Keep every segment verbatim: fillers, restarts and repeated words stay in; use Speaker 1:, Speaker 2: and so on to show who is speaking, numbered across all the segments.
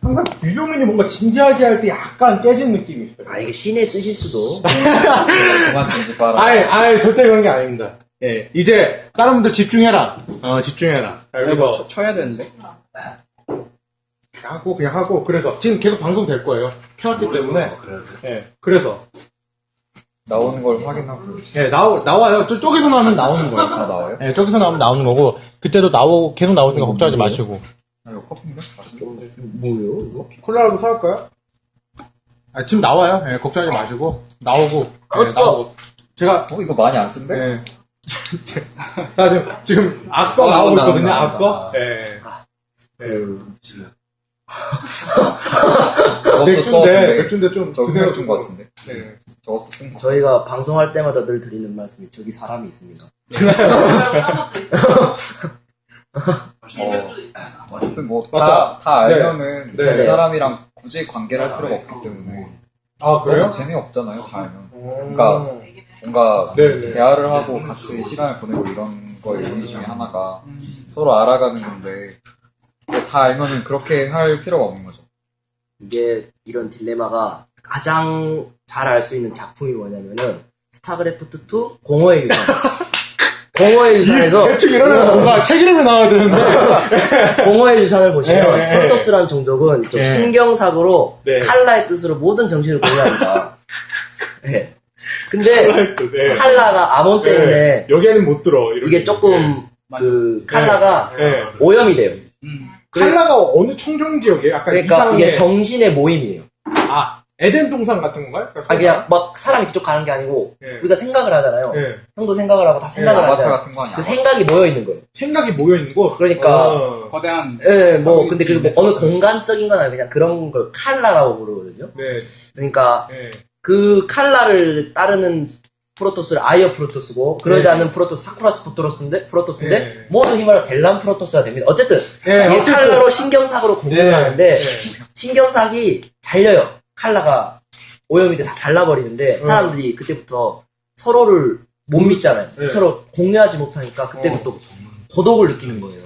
Speaker 1: 항상 윌리엄이 뭔가 진지하게 할 때 약간 깨진 느낌이 있어요.
Speaker 2: 아, 이게 신의 뜻일 수도.
Speaker 3: 그만 진지봐라.
Speaker 1: 아예, 아예 절대 그런 게 아닙니다. 예, 이제 다른 분들 집중해라. 어, 집중해라. 그래서
Speaker 4: 쳐, 쳐야 되는데.
Speaker 1: 그냥 하고 그냥 하고 그래서 지금 계속 방송 될 거예요. 켜놨기 때문에. 예, 그래서
Speaker 3: 나오는 걸 확인하고.
Speaker 1: 예, 나오 나와요. 저 쪽에서 나오면 나오는 거예요.
Speaker 3: 아, 나와요?
Speaker 1: 예, 저기서 나오면 나오는 거고 그때도 나오고 계속 나오니까 걱정하지 마시고.
Speaker 3: 아, 이거 커피인가? 맛있는데?
Speaker 2: 뭐요, 이거?
Speaker 1: 콜라라도 사올까요? 아, 지금 나와요. 예, 걱정하지 마시고 나오고. 예, 나오고. 제가
Speaker 3: 어, 이거 많이 안 쓴데?
Speaker 1: 예. 자, 지금 지금 악서
Speaker 3: 어,
Speaker 1: 나오고
Speaker 3: 나온다,
Speaker 1: 있거든요.
Speaker 3: 나온다,
Speaker 1: 악서.
Speaker 3: 나온다.
Speaker 1: 예. 예.
Speaker 3: 저것도
Speaker 1: 맥주인데
Speaker 3: 써왔는데.
Speaker 1: 맥주인데 좀
Speaker 3: 저거
Speaker 1: 드세요.
Speaker 3: 맥주인 것 같은데?
Speaker 1: 네.
Speaker 3: 저것도 쓴 거.
Speaker 2: 저희가 방송할 때마다 늘 드리는 말씀이 저기 사람이 있습니다.
Speaker 3: 어, 어쨌든 뭐, 다,
Speaker 1: 맞다.
Speaker 3: 다
Speaker 1: 네.
Speaker 3: 알면은,
Speaker 1: 네.
Speaker 3: 그 사람이랑 굳이 관계를 할 필요가 없기 때문에.
Speaker 1: 아, 그래요?
Speaker 3: 너무 재미없잖아요, 다 알면.
Speaker 1: 음.
Speaker 3: 그러니까, 뭔가,
Speaker 1: 네, 네.
Speaker 3: 대화를 하고 같이 시간을 보내고 이런 거의 의미 중에 하나가 서로 알아가는 건데, 그거 다 알면은 그렇게 할 필요가 없는 거죠.
Speaker 2: 이게 이런 딜레마가 가장 잘 알 수 있는 작품이 뭐냐면은 스타크래프트 투 공허의 유산. 공허의 유산에서
Speaker 1: 대충 이러면 뭔가 책 이름이 나와야 되는데.
Speaker 2: 공허의 유산을 보시면
Speaker 1: 네, 네.
Speaker 2: 프로토스라는 종족은 좀
Speaker 1: 네.
Speaker 2: 신경사고로
Speaker 1: 네.
Speaker 2: 칼라의 뜻으로 모든 정신을 공유합니다. 네. 근데
Speaker 1: 네.
Speaker 2: 칼라가 암원 때문에
Speaker 1: 네. 여기에는 못 들어. 이렇게.
Speaker 2: 이게 조금 그 칼라가
Speaker 1: 네.
Speaker 2: 오염이 돼요.
Speaker 4: 음.
Speaker 1: 칼라가 어느 청정 지역이에요? 약간
Speaker 2: 그러니까
Speaker 1: 이상해.
Speaker 2: 이게 정신의 모임이에요.
Speaker 1: 아, 에덴 동산 같은 건가요? 그러니까
Speaker 2: 아 그냥 막 사람이 그쪽 가는 게 아니고
Speaker 1: 네.
Speaker 2: 우리가 생각을 하잖아요.
Speaker 1: 네.
Speaker 2: 형도 생각을 하고 다 생각을
Speaker 3: 아바타
Speaker 2: 하잖아요.
Speaker 3: 같은 거 아니야?
Speaker 2: 그 생각이 모여 있는 거예요.
Speaker 1: 생각이 모여 있는 곳.
Speaker 2: 그러니까
Speaker 1: 어.
Speaker 4: 거대한.
Speaker 2: 예, 뭐 근데 그 뭐 어느 공간적인 건 아니고 그냥 그런 걸 칼라라고 부르거든요.
Speaker 1: 네.
Speaker 2: 그러니까
Speaker 1: 네.
Speaker 2: 그 칼라를 따르는 프로토스를 아이어 프로토스고 그러지
Speaker 1: 네.
Speaker 2: 않는 프로토스 사쿠라스 프로토스인데 프로토스인데
Speaker 1: 네.
Speaker 2: 모든 힘을 델란 프로토스가 됩니다. 어쨌든
Speaker 1: 네,
Speaker 2: 이
Speaker 1: 어쨌든.
Speaker 2: 칼라로 신경사고로 공유하는데
Speaker 1: 네.
Speaker 2: 신경삭이 잘려요. 칼라가 오염이 돼 다 잘라버리는데
Speaker 1: 어.
Speaker 2: 사람들이 그때부터 서로를 못 믿잖아요.
Speaker 1: 네.
Speaker 2: 서로 공유하지 못하니까 그때부터
Speaker 1: 어.
Speaker 2: 고독을 느끼는 거예요.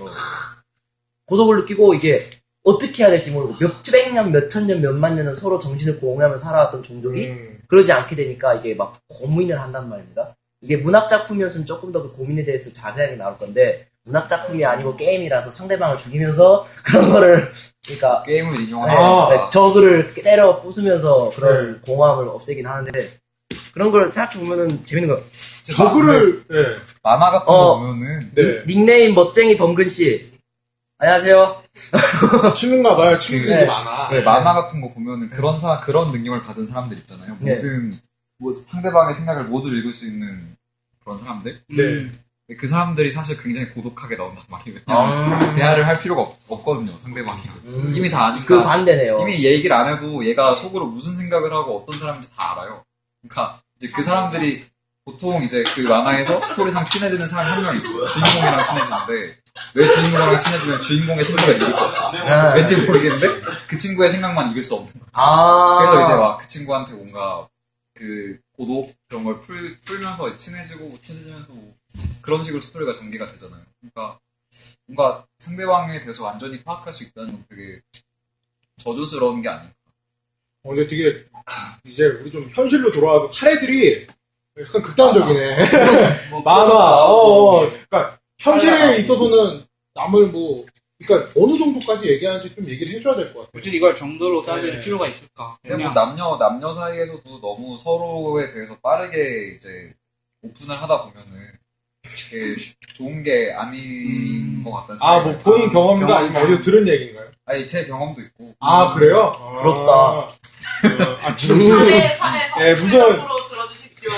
Speaker 2: 고독을 느끼고 이게 어떻게 해야 될지 모르고 몇백 년, 몇천 년, 몇만 년은 서로 정신을 공유하며 살아왔던 종족이
Speaker 1: 음.
Speaker 2: 그러지 않게 되니까 이게 막 고민을 한단 말입니다. 이게 문학 작품이었으면 조금 더 그 고민에 대해서 자세하게 나올 건데 문학 작품이 아니고 게임이라서 상대방을 죽이면서 그런 거를 그러니까
Speaker 3: 게임을
Speaker 2: 네,
Speaker 3: 인용하는
Speaker 1: 아.
Speaker 2: 네, 저그를 때려 부수면서 그런 공허함을 없애긴 하는데 그런 걸 생각해 보면은 재밌는 거.
Speaker 1: 저그를, 네.
Speaker 3: 만화 같은
Speaker 2: 어.
Speaker 3: 거 보면은
Speaker 1: 네.
Speaker 2: 닉네임 멋쟁이 범근 씨. 안녕하세요.
Speaker 1: 치는가 봐요. 친구들이
Speaker 2: 네.
Speaker 1: 많아.
Speaker 3: 네, 만화 같은 거 보면은 그런 사 그런 능력을 가진 사람들 있잖아요.
Speaker 2: 네.
Speaker 3: 모든 뭐 상대방의 생각을 모두 읽을 수 있는 그런 사람들.
Speaker 1: 네.
Speaker 3: 근데 그 사람들이 사실 굉장히 고독하게 나온단 말이에요.
Speaker 2: 아.
Speaker 3: 대화를 할 필요가 없, 없거든요. 상대방이
Speaker 2: 음.
Speaker 3: 이미 다 아니까.
Speaker 2: 그 반대네요.
Speaker 3: 이미 얘기를 안 해도 얘가 속으로 무슨 생각을 하고 어떤 사람인지 다 알아요. 그러니까 이제 그 사람들이 보통 이제 그 만화에서 스토리상 친해지는 사람이 한 명 있어요. 주인공이랑 친해지는데 왜 주인공이랑 친해지면 주인공의 생각을 읽을 수 없어요.
Speaker 2: 아.
Speaker 3: 왠지 모르겠는데 그 친구의 생각만 읽을 수 없는 거예요.
Speaker 2: 아.
Speaker 3: 그래서 이제 막 그 친구한테 뭔가 그 고독 그런 걸 풀, 풀면서 친해지고 친해지면서 뭐 그런 식으로 스토리가 전개가 되잖아요. 그러니까 뭔가 상대방에 대해서 완전히 파악할 수 있다는 건 되게 저주스러운 게 아닐까.
Speaker 1: 어, 근데 되게, 이제 우리 좀 현실로 돌아와서 사례들이 약간 극단적이네.
Speaker 4: 뭐
Speaker 1: 만화, 어, 어. 그러니까 현실에
Speaker 4: 만화.
Speaker 1: 있어서는 남을 뭐, 그러니까 어느 정도까지 얘기하는지 좀 얘기를 해줘야 될 것 같아요.
Speaker 4: 굳이 이걸 정도로 따질
Speaker 1: 네.
Speaker 4: 필요가 있을까?
Speaker 3: 근데 뭐
Speaker 4: 그냥
Speaker 3: 남녀 남녀 사이에서도 너무 서로에 대해서 빠르게 이제 오픈을 하다 보면은 이게 좋은 게 아닌
Speaker 4: 음.
Speaker 3: 것 같다는
Speaker 1: 아,
Speaker 3: 생각이
Speaker 1: 뭐 본인 경험인가
Speaker 4: 경험.
Speaker 1: 아니면 어디서 들은 얘기인가요?
Speaker 3: 아니 제 경험도 있고
Speaker 1: 아, 그래요?
Speaker 2: 부럽다.
Speaker 1: 아, 어, 아, 지금
Speaker 2: 음.
Speaker 5: 사례, 사례,
Speaker 1: 예, 무슨-
Speaker 5: 적극적으로 들어주십시오.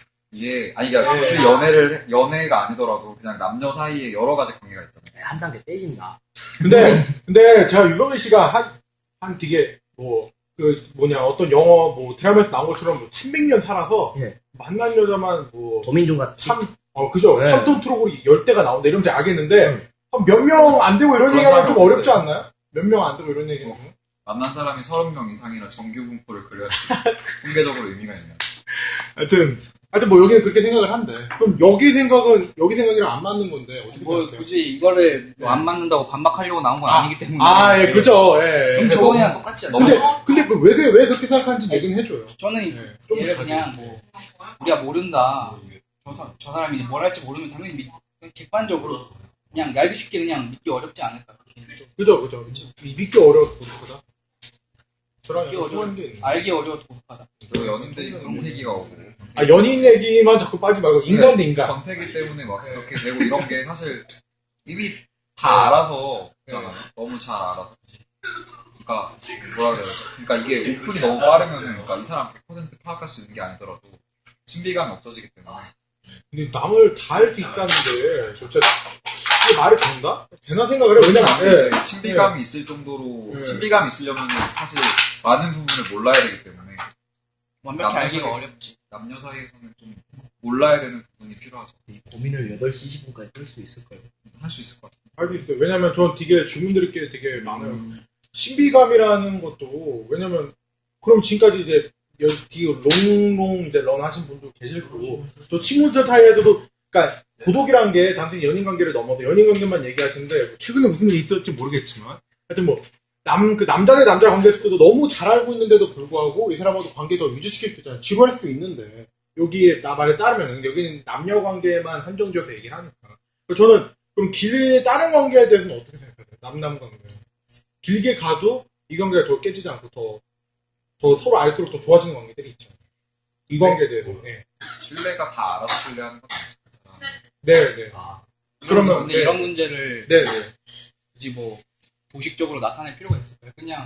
Speaker 3: 이게 아니 그러니까 굳이 연애를 연애가 아니더라도 그냥 남녀 사이에 여러 가지 관계가 있잖아요.
Speaker 2: 한 단계 빼진다.
Speaker 1: 근데, 근데 제가 유병민 씨가 한, 한 되게 뭐, 그 뭐냐, 어떤 영어, 뭐 드라마에서 나온 것처럼 뭐 삼백 년 살아서
Speaker 2: 예.
Speaker 1: 만난 여자만 뭐,
Speaker 2: 도민중 같은.
Speaker 1: 참, 어, 그죠?
Speaker 2: 네.
Speaker 1: 삼톤 트럭으로 열 대가 나온다 이러면 제가 알겠는데, 몇 명 안 되고 이런
Speaker 3: 그런
Speaker 1: 얘기하면 좀
Speaker 3: 사람이
Speaker 1: 어렵지
Speaker 3: 없어요.
Speaker 1: 않나요? 몇 명 안 되고 이런 얘기는.
Speaker 3: 만난 사람이 서른 명 이상이라 정규 분포를 그려야지 통계적으로 의미가 있나요?
Speaker 1: 하여튼, 하여튼 뭐 여기는 그렇게 생각을 한대. 그럼 여기 생각은, 여기 생각이랑 안 맞는 건데, 어떻게
Speaker 4: 뭐
Speaker 1: 생각해요?
Speaker 4: 굳이 이거를 뭐안 맞는다고 반박하려고 나온 건 아, 니기 때문에.
Speaker 1: 아, 예, 그죠, 예.
Speaker 4: 그럼 저거랑 똑같지 않나요?
Speaker 1: 근데, 근데 그 왜, 왜 그렇게 생각하는지 얘기는 해줘요.
Speaker 4: 저는
Speaker 1: 네, 좀
Speaker 4: 얘를
Speaker 1: 자세히.
Speaker 4: 그냥 뭐 우리가 모른다. 저, 사, 저 사람이 이제 뭘 할지 모르면 당연히 믿, 그냥 객관적으로 그냥 알기 쉽게 그냥 믿기 어렵지 않을까.
Speaker 1: 그죠, 그죠. 이 믿기 어려워서 고독하다. 저랑
Speaker 4: 믿기
Speaker 1: 약간
Speaker 4: 어려워.
Speaker 1: 통하는 게 있네.
Speaker 4: 알기 어려워서 고독하다.
Speaker 3: 그리고 연인들이 그런 얘기가 오고.
Speaker 1: 아, 연인 얘기만 자꾸 빠지 말고, 인간 대 인간.
Speaker 3: 권태기 때문에 막 그렇게 되고 이런 게 사실 이미 다 알아서 있잖아요. 너무 잘 알아서. 그러니까 뭐라 그래야 되죠? 그러니까 이게 오픈이 너무 빠르면은 그러니까 이 사람 백 퍼센트 파악할 수 있는 게 아니더라도 신비감이 없어지기 때문에.
Speaker 1: 근데 남을 다 알 수 있다는데, 진짜, 이게 말이 된다? 되나 생각을 해요. 왜냐면,
Speaker 3: 왜냐면
Speaker 1: 예.
Speaker 3: 이제 신비감이 있을 정도로
Speaker 1: 네.
Speaker 3: 신비감이 있으려면 사실 많은 부분을 몰라야 되기 때문에
Speaker 4: 완벽히
Speaker 3: 남녀
Speaker 4: 알기가
Speaker 3: 사이에서-
Speaker 4: 어렵지.
Speaker 3: 남녀 사이에서는 좀 몰라야 되는 부분이 필요하죠.
Speaker 2: 이 고민을 여덟 시 이십 분까지 끌 수 있을까요?
Speaker 3: 할 수 있을 것 같아요.
Speaker 1: 알 수 있어요. 왜냐면 전 되게 질문 드릴 게 되게 많아요. 신비감이라는 것도, 왜냐면, 그럼 지금까지 이제, 여기 롱롱 이제 런 하신 분도 계실 거고, 또 친구들 사이에서도, 그러니까 고독이란 게 단순히 연인 관계를 넘어서 연인 관계만 얘기하시는데, 최근에 무슨 일이 있었을지 모르겠지만, 하여튼 뭐, 남, 그 남자 대 남자 관계에서도 너무 잘 알고 있는데도 불구하고, 이 사람하고 관계 더 유지시킬 수 있잖아요. 지루할 수도 있는데, 여기에 나 말에 따르면, 여기는 남녀 관계만 한정지어서 얘기를 하니까. 그래서 저는, 그럼 길에 다른 관계에 대해서는 어떻게 생각하세요? 남남 관계. 길게 가도 이 관계가 더 깨지지 않고 더, 더 서로 알수록 더 좋아지는 관계들이 있잖아요. 이 관계에 대해서. 네.
Speaker 3: 신뢰가 다 알아서 신뢰하는 건 아니죠.
Speaker 1: 네, 네. 그러면,
Speaker 4: 근데
Speaker 1: 네.
Speaker 4: 이런 문제를
Speaker 1: 네, 네.
Speaker 4: 굳이 뭐 도식적으로 나타낼 필요가 있을까요? 그냥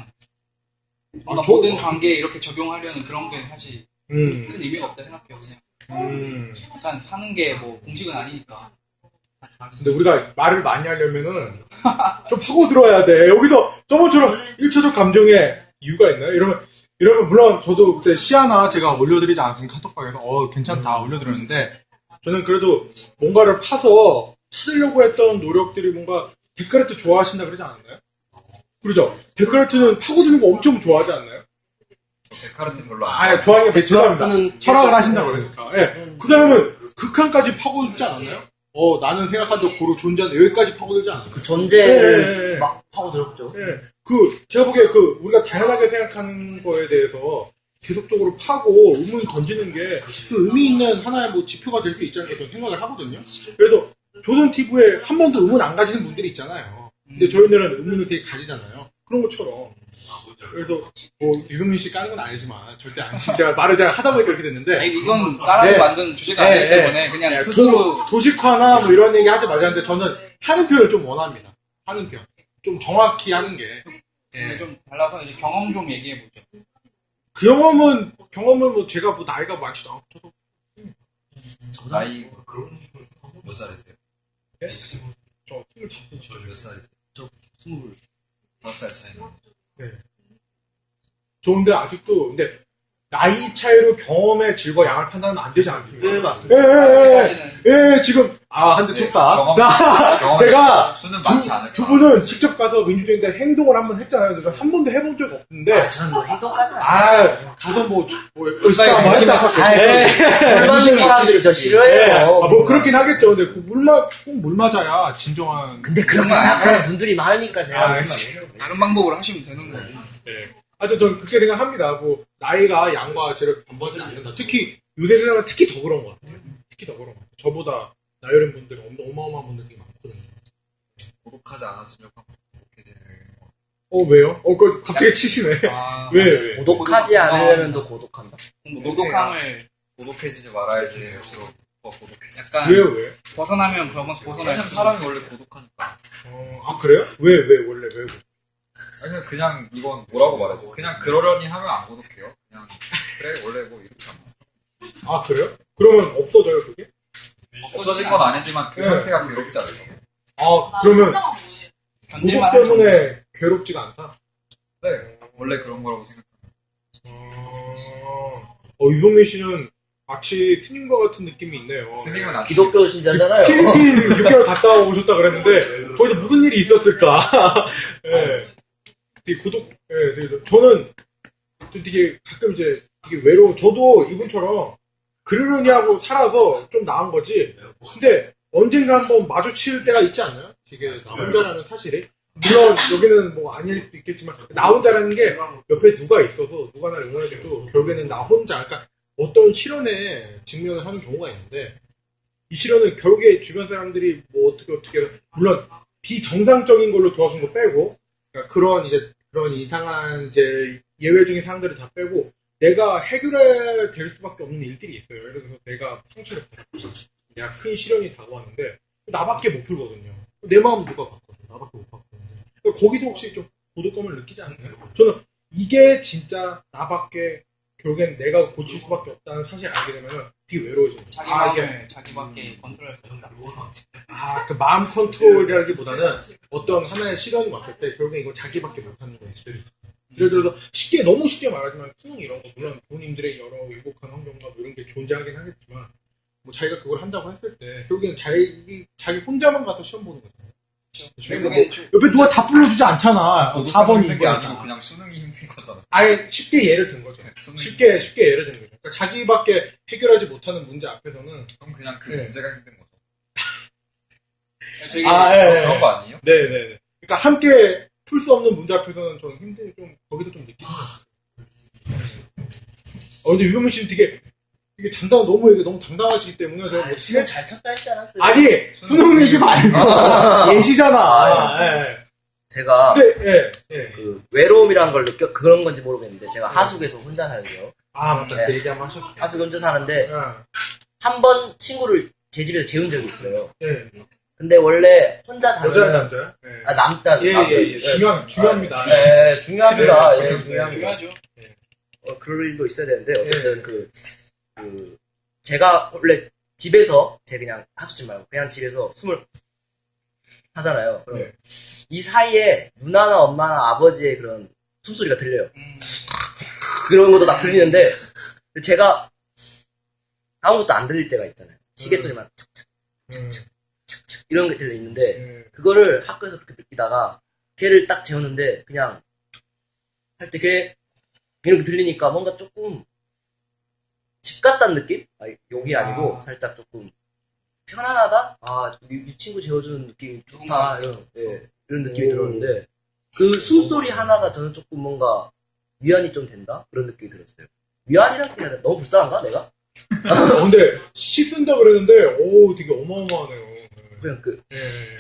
Speaker 1: 아,
Speaker 4: 우리가
Speaker 1: 저-
Speaker 4: 모든 관계에 이렇게 적용하려는 그런 게 사실
Speaker 1: 음.
Speaker 4: 큰 의미가 없다 생각해요. 그냥
Speaker 1: 음.
Speaker 4: 약간 사는 게 뭐 공식은 아니니까.
Speaker 1: 근데 우리가 말을 많이 하려면은 좀 파고 들어야 돼. 여기서 저번처럼 일초적 감정에 이유가 있나요? 이러면, 이러면 물론 저도 그때 시 하나 제가 올려드리지 않았으면 카톡방에서 어, 괜찮다 올려드렸는데 저는 그래도 뭔가를 파서 찾으려고 했던 노력들이 뭔가 데카르트 좋아하신다 그러지 않았나요? 그러죠? 데카르트는 파고드는 거 엄청 좋아하지 않나요?
Speaker 3: 데카르트 별로 안
Speaker 1: 아,
Speaker 3: 좋아해요.
Speaker 1: 좋아하는 게 죄송합니다.
Speaker 2: 데카르트는
Speaker 1: 철학을 하신다고 그러니까. 예. 그 사람은 극한까지 파고들지 않았나요? 어, 나는 생각한 적 고로 존재한다. 여기까지 파고들지 않았어요.
Speaker 2: 그 존재를
Speaker 1: 예, 예, 예.
Speaker 2: 막 파고들었죠.
Speaker 1: 예. 그, 제가 보기에 그, 우리가 다양하게 생각하는 거에 대해서 계속적으로 파고 의문을 던지는 게 그 의미 있는 하나의 뭐 지표가 될 수 있지 않을까 저는 생각을 하거든요. 그래서 조선티비에 한 번도 의문 안 가지는 분들이 있잖아요. 근데 저희들은 의문을 되게 가지잖아요. 그런 것처럼. 그래서 뭐 유승민 씨 까는 건 아니지만 절대 아니지. 제가 말을 잘 하다 보니까 그렇게 됐는데.
Speaker 4: 아니 이건 따라서
Speaker 1: 네.
Speaker 4: 만든 주제가
Speaker 1: 네,
Speaker 4: 아니기
Speaker 1: 네.
Speaker 4: 때문에 그냥
Speaker 1: 네,
Speaker 4: 스스로
Speaker 1: 도, 도식화나 뭐 이런 얘기 하지 말자는데 저는 하는 표현을 좀 원합니다. 하는 표현. 좀 정확히 하는 게. 예.
Speaker 4: 좀 달라서 이제 경험 좀 얘기해 보죠.
Speaker 1: 그 경험은, 경험은 뭐 제가 뭐 나이가 많지도 않고 저도.
Speaker 3: 나이 몇 살이세요?
Speaker 1: 예? 저 스물다섯.
Speaker 3: 몇 살이세요?
Speaker 2: 스물.
Speaker 3: 다섯 살 차이나.
Speaker 1: 좋은데 아직도, 근데 나이 차이로 경험의 질과 양을 판단하면 안 되지 않습니까?
Speaker 2: 네, 맞습니다.
Speaker 1: 예, 예, 예.
Speaker 4: 아직까지는
Speaker 1: 예, 지금, 아, 한 대
Speaker 3: 네,
Speaker 1: 쳤다.
Speaker 3: 경험-
Speaker 1: 자,
Speaker 3: 경험
Speaker 1: 제가
Speaker 3: 수는
Speaker 1: 두,
Speaker 3: 많지 않을
Speaker 1: 두
Speaker 3: 거야.
Speaker 1: 분은 직접 가서 민주주의인데 행동을 한번 했잖아요. 그래서 한 번도 해본 적 없는데,
Speaker 2: 아, 저는 뭐 행동까지 안
Speaker 1: 아, 가서 뭐, 뭐, 열심히 한번 했다.
Speaker 2: 물 맞는 사람들이 저
Speaker 1: 예,
Speaker 2: 싫어해요.
Speaker 1: 아, 뭐 그렇긴 하겠죠. 근데 그 물마, 꼭 물 맞아야 진정한.
Speaker 2: 근데 그렇게 생각하는 분들이 많으니까 제가
Speaker 1: 아,
Speaker 2: 그런 거
Speaker 1: 씨.
Speaker 2: 아니에요.
Speaker 4: 다른 방법으로 하시면 되는 거지.
Speaker 1: 예. 하여튼 저는 그렇게 생각합니다. 뭐, 나이가 양과 질을 반반하지 않는다. 특히, 요새 세상은 특히 더 그런 것 같아요. 특히 더 그런 것 같아요. 저보다 나이 어린 분들이 엄- 어마어마한 분들이 많거든요.
Speaker 3: 고독하지 않았으면 고독해지는.
Speaker 1: 어, 왜요? 어, 그 갑자기 치시네.
Speaker 4: 아,
Speaker 1: 왜, 왜?
Speaker 2: 고독하지 않으려면 더 고독한다.
Speaker 4: 뭐 노독함을
Speaker 3: 고독해지지 말아야지 할수록 더 고독해지.
Speaker 4: 약간
Speaker 1: 왜요, 왜?
Speaker 4: 벗어나면 벗어- 벗어날
Speaker 3: 왜냐면
Speaker 4: 수
Speaker 3: 사람이 원래 고독하니까.
Speaker 1: 어, 아, 그래요? 왜, 왜, 원래, 왜?
Speaker 3: 아니, 그냥, 그냥 이건 뭐라고 말하지? 그냥 그러려니 하면 안 고독해요. 그냥 그래 원래 뭐 이렇게 하면.
Speaker 1: 아, 그래요? 그러면 없어져요, 그게?
Speaker 3: 없어진 건 아니지만 그
Speaker 1: 네.
Speaker 3: 상태가 괴롭지 않아요.
Speaker 1: 아, 그러면,
Speaker 4: 견딜만
Speaker 1: 그것
Speaker 4: 한 정도.
Speaker 1: 때문에 괴롭지가 않다?
Speaker 3: 네, 원래 그런 거라고 생각해요.
Speaker 1: 어, 어, 유동민 씨는 마치 스님과 같은 느낌이 있네요.
Speaker 3: 스님은 안
Speaker 2: 기독교 신자잖아요.
Speaker 1: 필리핀 육 개월 갔다 오셨다 그랬는데, 거기서 무슨 일이 있었을까? 예. 되게 고독, 예, 되게, 저는 좀 되게 가끔 이제 되게 외로워. 저도 이분처럼 그러려니 하고 살아서 좀 나은 거지. 근데 언젠가 한번 마주칠 때가 있지 않나요? 이게 나 혼자라는 사실이. 물론 여기는 뭐 아닐 수도 있겠지만 나 혼자라는 게 옆에 누가 있어서 누가 나를 응원해줘도 결국에는 나 혼자 그러니까 어떤 실현에 직면을 하는 경우가 있는데 이 실현은 결국에 주변 사람들이 뭐 어떻게 어떻게 물론 비정상적인 걸로 도와준 거 빼고 그러니까 그런 이제 그런 이상한 이제 예외적인 상황들을 다 빼고 내가 해결해야 될 수밖에 없는 일들이 있어요. 예를 들어서 내가 상처를 받았고 내가 큰 시련이 다가왔는데 나밖에 못 풀거든요. 내 마음 누가 봤거든. 나밖에 못 봤거든요. 그러니까 거기서 혹시 좀 고독감을 느끼지 않나요? 저는 이게 진짜 나밖에 결국엔 내가 고칠 수밖에 없다는 사실을 알게 되면 되게 외로워지는 거예요.
Speaker 4: 자기
Speaker 1: 아,
Speaker 4: 마음을
Speaker 1: 이게
Speaker 4: 자기밖에 컨트롤할 수 없다.
Speaker 1: 아, 그 마음 컨트롤이라기보다는 어떤 하나의 시련이 왔을 때 결국엔 이거 자기밖에 못하는 거예요. 예를 들어서 쉽게 너무 쉽게 말하지만 수능 이런 거 물론 부모님들의 여러 위복한 환경과 뭐 이런 게 존재하긴 하겠지만 뭐 자기가 그걸 한다고 했을 때 결국엔 자기 자기 혼자만 가서 시험 보는 거잖아요. 그러니까 뭐 옆에 누가 다 불러주지 않잖아. 사
Speaker 3: 고독해서
Speaker 1: 번이
Speaker 3: 힘든 게 아니고 그냥 수능이 힘든 거잖아.
Speaker 1: 아예 쉽게 예를 든 거죠.
Speaker 3: 수능이
Speaker 1: 쉽게 쉽게 예를 든 거죠. 그러니까 자기밖에 해결하지 못하는 문제 앞에서는
Speaker 3: 그럼 그냥 그
Speaker 1: 네.
Speaker 3: 문제가 힘든 거죠.
Speaker 4: 되게
Speaker 1: 아, 예, 예.
Speaker 3: 그런 거 아니에요?
Speaker 1: 네네네. 그러니까 함께 풀 수 없는 문제 앞에서는 저는 힘든 좀 거기서 좀 느끼는 거예요. 어 근데 유병민 씨는 되게 되게 당당 너무 이게 너무 당당하시기 때문에 제가 뭐
Speaker 2: 수능 잘 쳤다 했지 않았어요?
Speaker 1: 아니 수능 얘기 말고 예시잖아.
Speaker 2: 아,
Speaker 1: 예.
Speaker 2: 제가
Speaker 1: 근데 예 예.
Speaker 2: 그 외로움이라는 걸 느껴 그런 건지 모르겠는데 제가 하숙에서 혼자 살고요.
Speaker 1: 아 맞다
Speaker 2: 네.
Speaker 1: 그 얘기 한번 하셨어.
Speaker 2: 하숙 혼자 사는데
Speaker 1: 예.
Speaker 2: 한 번 친구를 제 집에서 재운 적이 있어요.
Speaker 1: 예.
Speaker 2: 근데 원래 혼자
Speaker 1: 여자
Speaker 2: 살면
Speaker 1: 남자. 예.
Speaker 2: 아, 남자
Speaker 1: 예,
Speaker 2: 남자.
Speaker 1: 예, 예. 중요한, 중요합니다.
Speaker 2: 네, 중요합니다.
Speaker 1: 네,
Speaker 2: 예,
Speaker 1: 네,
Speaker 2: 중요합니다.
Speaker 4: 중요하죠.
Speaker 2: 어, 그럴 일도 있어야 되는데 어쨌든 그, 그 제가 원래 집에서 제 그냥 하숙집 말고 그냥 집에서 숨을 하잖아요. 그럼
Speaker 1: 네.
Speaker 2: 이 사이에 누나나 엄마나 아버지의 그런 숨소리가 들려요.
Speaker 4: 음,
Speaker 2: 그런 것도 다 들리는데 제가 아무것도 안 들릴 때가 있잖아요. 시계 소리만 착착
Speaker 1: 음.
Speaker 2: 착착 이런 게 들려 있는데
Speaker 1: 예.
Speaker 2: 그거를 학교에서 그렇게 느끼다가 걔를 딱 재웠는데 그냥 할 때 걔 이렇게 들리니까 뭔가 조금 집 같다는 느낌? 아, 욕이 아니고
Speaker 1: 아.
Speaker 2: 살짝 조금 편안하다? 아, 이, 이 친구 재워주는 느낌이 좋다. 이런, 예, 이런 느낌이
Speaker 1: 오.
Speaker 2: 들었는데 그 숨소리 하나가 저는 조금 뭔가 위안이 좀 된다? 그런 느낌이 들었어요. 위안이란 게 아니라 너무 불쌍한가 내가?
Speaker 1: 어, 근데 씻은다 그랬는데 오 되게 어마어마하네요.
Speaker 2: 그냥 그
Speaker 1: 예.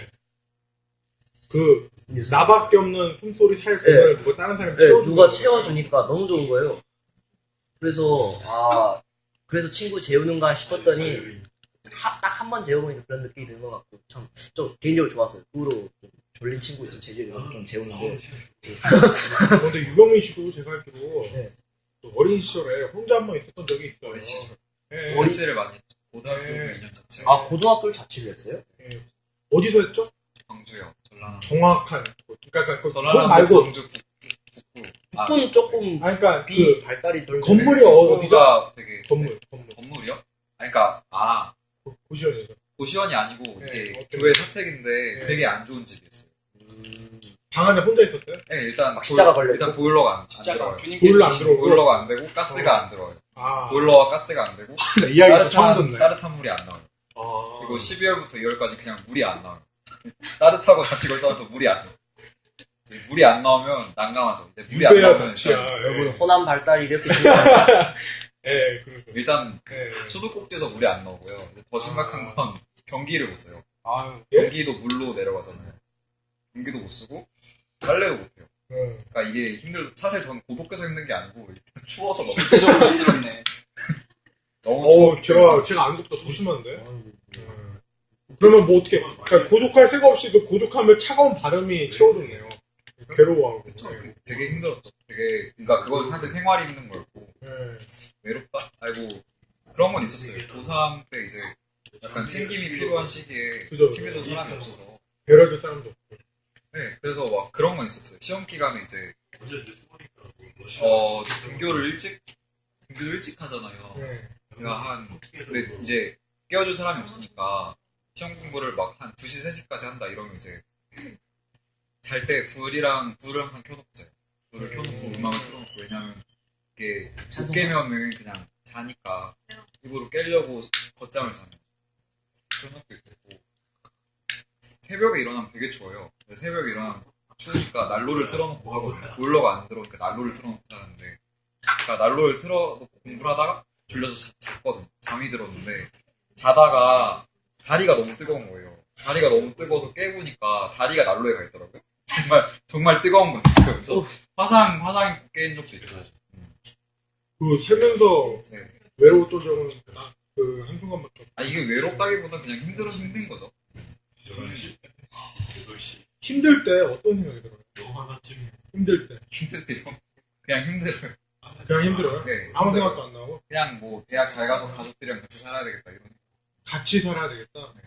Speaker 1: 그 나밖에 없는 숨소리 살 공간을 누가 다른 사람이
Speaker 2: 예,
Speaker 1: 채워주는
Speaker 2: 누가
Speaker 1: 거예요.
Speaker 2: 채워주니까 너무 좋은 거예요. 그래서 아 그래서 친구 재우는가 싶었더니 딱 한 번 재우면 그런 느낌이 드는 것 같고 참 좀 개인적으로 좋았어요. 그 후로 좀 졸린 친구 있으면 제주에 좀 재우는데
Speaker 1: 근데 유병민 씨도 제가 알기로
Speaker 2: 네.
Speaker 1: 또 어린 시절에 혼자 한 번 있었던 적이 있어요.
Speaker 3: 어린 시절.
Speaker 1: 예.
Speaker 3: 자취를 많이 했죠. 고등학교
Speaker 1: 네.
Speaker 3: 이 년 자취.
Speaker 2: 아 고등학교를 자취를 했어요?
Speaker 1: 예. 어디서 했죠?
Speaker 3: 광주요. 전라남.
Speaker 1: 정확한 곳. 그러니까 그
Speaker 3: 전라남
Speaker 1: 곳 말고
Speaker 3: 광주 북- 북부. 아,
Speaker 2: 북부는 조금
Speaker 1: 아 그러니까
Speaker 2: 비
Speaker 1: 그
Speaker 2: 발달이 덜
Speaker 1: 건물이
Speaker 2: 되네.
Speaker 1: 어디죠?
Speaker 3: 북부가 되게
Speaker 1: 건물 건물
Speaker 3: 건물이요? 아니, 그러니까 아
Speaker 1: 고시원이죠.
Speaker 3: 고시원이 아니고
Speaker 1: 네,
Speaker 3: 이게
Speaker 1: 어떤-
Speaker 3: 교회 사택인데
Speaker 1: 네.
Speaker 3: 되게 안 좋은 집이었어요.
Speaker 1: 방 안에 혼자 있었어요?
Speaker 3: 네, 일단
Speaker 2: 십자가
Speaker 3: 보일-
Speaker 2: 걸려있고?
Speaker 3: 일단 보일러가 안, 안
Speaker 4: 진짜가
Speaker 3: 들어요.
Speaker 4: 주님께
Speaker 1: 보일러 안
Speaker 4: 주신
Speaker 1: 들어오고.
Speaker 3: 보일러가 안 되고 가스가 안 들어요.
Speaker 1: 아
Speaker 3: 보일러와 가스가 안 되고
Speaker 1: 이 이야기 처음
Speaker 3: 따뜻한
Speaker 1: 듣네.
Speaker 3: 따뜻한 물이 안 나와요.
Speaker 1: 아.
Speaker 3: 그리고 십이월부터 이월까지 그냥 물이 안 나와요. 따뜻하고 다시 걸 떠나서 물이 안 나와요. 이제 물이 안 나오면 난감하죠. 근데 물이 안
Speaker 1: 유배야
Speaker 3: 나오면
Speaker 1: 자취야.
Speaker 3: 일단,
Speaker 2: 여러분
Speaker 1: 예.
Speaker 2: 호남 발달이 이렇게 중요한가?
Speaker 1: 예, 그러죠.
Speaker 3: 일단
Speaker 1: 예.
Speaker 3: 수도꼭지에서 물이 안 나오고요. 더 심각한 건 경기를 못 써요.
Speaker 4: 아유,
Speaker 1: 예?
Speaker 3: 경기도 물로 내려가잖아요. 경기도 못 쓰고 빨래도 못 해요.
Speaker 1: 예.
Speaker 3: 그러니까 이게 힘들. 사실 저는 고독해서 힘든 게 아니고 추워서 너무
Speaker 4: 대적으로 힘들었네.
Speaker 3: 너무
Speaker 1: 어,
Speaker 3: 추워.
Speaker 1: 제가 제가 안 덥다 더 심한데. 예. 그러면 뭐 어떻게? 그러니까 고독할 새가 없이 그 고독함을 차가운 바람이 채워줬네요. 괴로워하고.
Speaker 3: 그쵸. 되게 힘들었죠. 되게 그러니까 그건 사실 생활이 힘든 거였고
Speaker 1: 예.
Speaker 3: 외롭다. 아이고 그런 건 있었어요. 고삼 때 이제 약간 챙김이 필요한 시기에
Speaker 1: 그죠.
Speaker 3: 챙겨줄 사람이 없어서.
Speaker 1: 배려줄 사람도 없고.
Speaker 3: 네, 그래서 막 그런 건 있었어요. 시험 기간에 이제 어 등교를 일찍 등교를 일찍 하잖아요.
Speaker 1: 예.
Speaker 3: 그러니까 한 근데 이제 깨워줄 사람이 없으니까 시험 공부를 막 한 두 시, 세 시까지 한다 이러면 이제 잘 때 불이랑 불을 항상 켜놓고 자요. 불을 켜놓고 음악을 틀어놓고 왜냐면 이게 못 깨면은 그냥 자니까 입으로 깨려고 걷잠을 자는 그런 적도 있고 새벽에 일어나면 되게 추워요. 근데 새벽에 일어나면 추우니까 난로를 틀어놓고 하거든요. 보일러가 안 들어오니까 난로를 틀어놓고 자는데 그러니까 난로를 틀어놓고 공부를 하다가 졸려서 자, 잤거든요. 잠이 들었는데 자다가 다리가 너무 뜨거운 거예요. 다리가 너무 뜨거워서 깨보니까 다리가 난로에 가 있더라고요. 정말 정말 뜨거운 거였어요. 그래서 화상 화상이 깨인 적도 있고.
Speaker 1: 그 세면서
Speaker 3: 네.
Speaker 1: 외로웠던 적은 딱그 한순간밖에 없어요.
Speaker 3: 아 이게 외롭다기보다 그냥 힘들어 힘든 거죠.
Speaker 1: 힘들 때 어떤 생각이 들어요? 힘들 때
Speaker 3: 힘들 때요. 그냥 힘들어요.
Speaker 1: 그냥 힘들어요?
Speaker 3: 네,
Speaker 1: 아무
Speaker 3: 힘들어요.
Speaker 1: 생각도 안 나고
Speaker 3: 그냥 뭐 대학 잘 가서 가족들이랑 같이 살아야 되겠다 이런.
Speaker 1: 같이 살아야 되겠다. 어,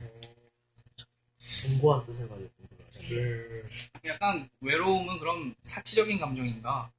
Speaker 2: 공고한 뜻을 가지고 공부를 하잖아요.
Speaker 1: 네.
Speaker 4: 약간 외로움은 그럼 사치적인 감정인가?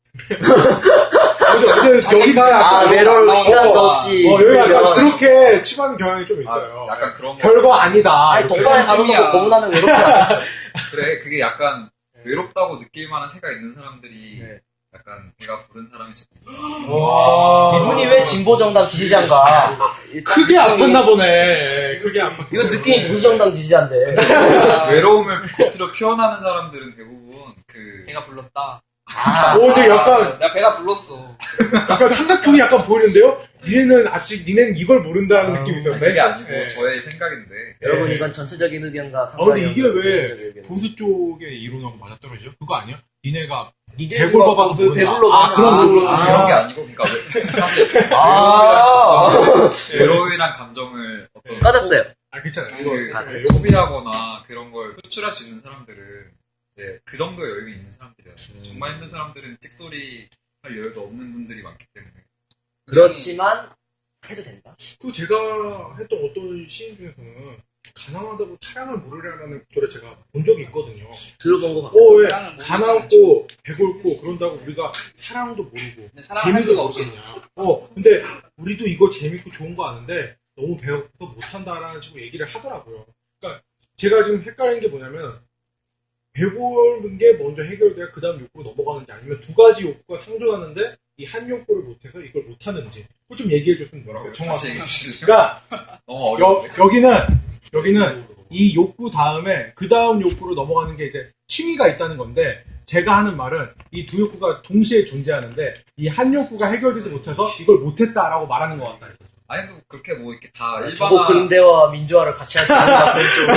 Speaker 1: 어제 어제 여기가
Speaker 2: 아,
Speaker 1: 약간
Speaker 2: 외로울
Speaker 4: 어,
Speaker 2: 시간도
Speaker 1: 어,
Speaker 2: 없이.
Speaker 1: 어, 여기 약간
Speaker 2: 그러면-
Speaker 1: 그렇게 치받는 경향이 좀 있어요.
Speaker 3: 아, 약간 그런 거.
Speaker 1: 별거 아니다.
Speaker 2: 아니,
Speaker 1: 이렇게.
Speaker 2: 동방에 가둬놓고
Speaker 4: 찜이야.
Speaker 2: 고문하면 외롭지 않아.
Speaker 3: 그래 그게 약간 외롭다고 느낄 만한 새가 있는 사람들이
Speaker 2: 네.
Speaker 3: 약간 배가 부른 사람이 있을
Speaker 1: 와.
Speaker 2: 이분이 왜 진보정당 지지자인가?
Speaker 1: 크게 아팠나 보네. 크게 아팠.
Speaker 2: 이거 느낌이 보수정당 지지자인데.
Speaker 3: 외로움을 겉으로 표현하는 사람들은 대부분 그
Speaker 4: 배가 불렀다.
Speaker 2: 아,
Speaker 1: 오, 근데 약간
Speaker 4: 내가 배가 불렀어.
Speaker 1: 약간 삼각형이 약간 보이는데요? 니네는 아직 니네는 이걸 모른다는
Speaker 2: 아,
Speaker 1: 느낌이 있어요.
Speaker 3: 그게 아니고
Speaker 1: 네.
Speaker 3: 저의 생각인데
Speaker 2: 여러분
Speaker 1: 네.
Speaker 2: 이건 전체적인 의견과
Speaker 1: 아
Speaker 2: 상관이
Speaker 1: 근데 이게
Speaker 2: 없는
Speaker 1: 왜
Speaker 2: 개인적인 의견.
Speaker 1: 보수 쪽의 이론하고 맞아떨어지죠? 그거 아니야? 니네가
Speaker 2: 니들
Speaker 1: 배불러 봐서
Speaker 2: 배-
Speaker 1: 모른다.
Speaker 2: 배불러
Speaker 1: 아,
Speaker 2: 봐서
Speaker 1: 그런
Speaker 2: 모른다.
Speaker 1: 거.
Speaker 3: 그런 게 아니고 그러니까 왜- 사실
Speaker 2: 아.
Speaker 3: 외로움이란 감정을 어떤
Speaker 2: 꺼졌어요.
Speaker 1: 아 괜찮아요.
Speaker 3: 그,
Speaker 1: 이거
Speaker 3: 그
Speaker 1: 아, 네.
Speaker 3: 소비하거나 그런 걸 표출할 수 있는 사람들은 이제 그 정도의 여유가 있는 사람들이야.
Speaker 1: 음.
Speaker 3: 정말 힘든 사람들은 찍소리 할 여유도 없는 분들이 많기 때문에.
Speaker 2: 그렇지만 해도 된다.
Speaker 1: 그 제가 했던 어떤 시인 중에서는 가난하다고 사랑을 모르려는 구절을 제가 본 적이 있거든요.
Speaker 2: 들어본 것 같고.
Speaker 1: 어, 왜
Speaker 4: 사랑을 모르지
Speaker 1: 가난하고 배고프고 그런다고 우리가 사랑도 모르고
Speaker 4: 근데 사랑을 할
Speaker 1: 재미도
Speaker 4: 수가 없겠냐.
Speaker 1: 모르겠냐. 어, 근데 우리도 이거 재밌고 좋은 거 아는데 너무 배고파서 못한다라는 식으로 얘기를 하더라고요. 그러니까 제가 지금 헷갈리는 게 뭐냐면 배고픈 게 먼저 해결돼야 그 다음 욕구로 넘어가는지 아니면 두 가지 욕구가 상존하는데 이 한 욕구를 못해서 이걸 못하는지 그거 좀 얘기해 줬으면
Speaker 3: 뭐라고
Speaker 1: 좋겠어요.
Speaker 3: 다시
Speaker 1: 정확히.
Speaker 3: 얘기해 주실래요?
Speaker 1: 그러니까
Speaker 3: 너무
Speaker 1: 여,
Speaker 3: 어려운데.
Speaker 1: 여기는 여기는 이 욕구 다음에 그 다음 욕구로 넘어가는 게 이제 취미가 있다는 건데 제가 하는 말은 이 두 욕구가 동시에 존재하는데 이 한 욕구가 해결되지 못해서 이걸 못했다라고 말하는 것 같다.
Speaker 3: 아니 뭐 그렇게 뭐 이렇게 다
Speaker 2: 저거
Speaker 3: 일반화
Speaker 2: 근대와 민주화를 같이 할 수 있는 그런 쪽으로.